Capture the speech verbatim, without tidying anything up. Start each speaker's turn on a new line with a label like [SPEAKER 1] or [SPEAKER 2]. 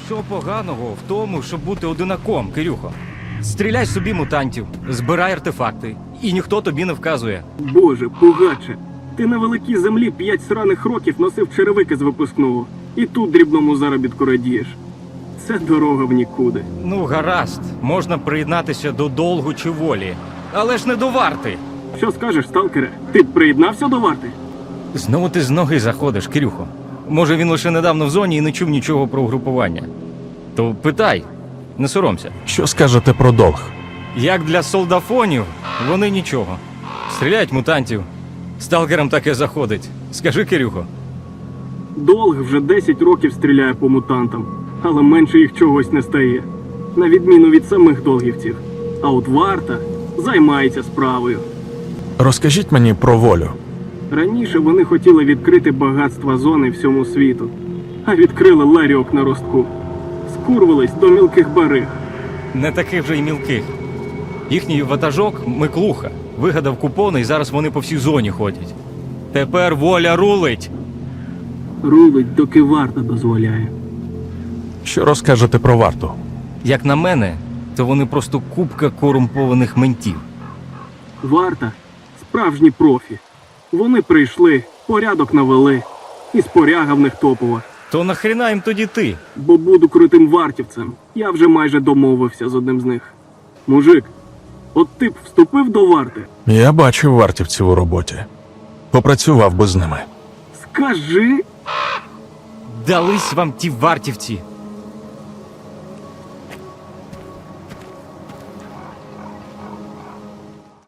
[SPEAKER 1] Що поганого в тому, щоб бути одинаком, Кирюхо? Стріляй собі мутантів, збирай артефакти, і ніхто тобі не вказує.
[SPEAKER 2] Боже, пугаче, ти на великій землі п'ять сраних років носив черевики з випускного, і тут дрібному заробітку радієш. Це дорога в нікуди.
[SPEAKER 1] Ну, гаразд, можна приєднатися до долгу чи волі, але ж не до варти.
[SPEAKER 2] Що скажеш, сталкере? Ти приєднався до варти?
[SPEAKER 1] Знову ти з ноги заходиш, Кирюхо. Може, він лише недавно в зоні і не чув нічого про угрупування. То питай, не соромся.
[SPEAKER 3] Що скажете про долг?
[SPEAKER 1] Як для солдафонів, вони нічого. Стріляють мутантів. Сталкерам таке заходить. Скажи, Кирюхо.
[SPEAKER 2] Долг вже десять років стріляє по мутантам, але менше їх чогось не стає. На відміну від самих долгівців. А от варта займається справою.
[SPEAKER 3] Розкажіть мені про волю.
[SPEAKER 2] Раніше вони хотіли відкрити багатства зони всьому світу, а відкрили ларьок на ростку. Скурвились до мілких бариг.
[SPEAKER 1] Не таких вже й мілких. Їхній ватажок Миклуха вигадав купони, і зараз вони по всій зоні ходять. Тепер воля рулить.
[SPEAKER 2] Рулить, доки варта дозволяє.
[SPEAKER 3] Що розкажете про варту?
[SPEAKER 1] Як на мене, то вони просто купка корумпованих ментів.
[SPEAKER 2] Варта – справжні профі. Вони прийшли, порядок навели, і споряга в них топова.
[SPEAKER 1] То нахріна їм тоді ти?
[SPEAKER 2] Бо буду крутим вартівцем. Я вже майже домовився з одним з них. Мужик, от ти б вступив до варти?
[SPEAKER 3] Я бачив вартівців у роботі. Попрацював би з ними.
[SPEAKER 2] Скажи,
[SPEAKER 1] Дались вам ті вартівці.